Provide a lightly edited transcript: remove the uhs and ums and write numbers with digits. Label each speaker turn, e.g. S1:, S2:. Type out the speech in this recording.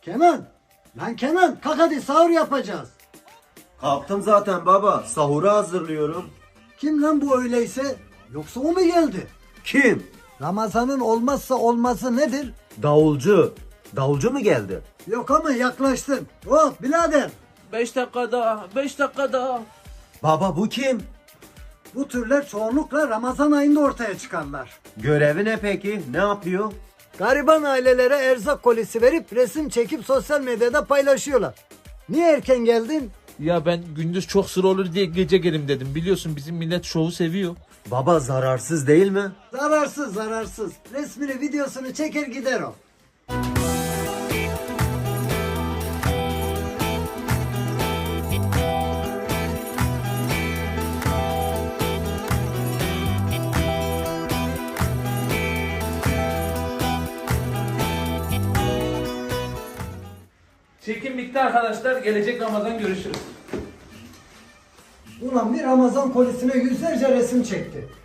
S1: Kenan! Lan Kenan kalk hadi sahur yapacağız.
S2: Kalktım zaten baba. Sahura hazırlıyorum.
S1: Kim lan bu öyleyse? Yoksa o mu geldi?
S2: Kim?
S1: Ramazan'ın olmazsa olmazı nedir?
S2: Davulcu. Davulcu mu geldi?
S1: Yok ama yaklaştın. Hop birader.
S3: 5 dakika daha, 5 dakika daha.
S2: Baba bu kim?
S1: Bu türler çoğunlukla Ramazan ayında ortaya çıkarlar.
S2: Görevi ne peki? Ne yapıyor?
S1: Gariban ailelere erzak kolisi verip resim çekip sosyal medyada paylaşıyorlar. Niye erken geldin?
S3: Ya ben gündüz çok sıra olur diye gece gelim dedim. Biliyorsun bizim millet şovu seviyor.
S2: Baba zararsız değil mi?
S1: Zararsız zararsız. Resmini videosunu çeker gider o.
S3: Çekim bitti arkadaşlar. Gelecek Ramazan görüşürüz.
S1: Ulan bir Ramazan kolisine yüzlerce resim çekti.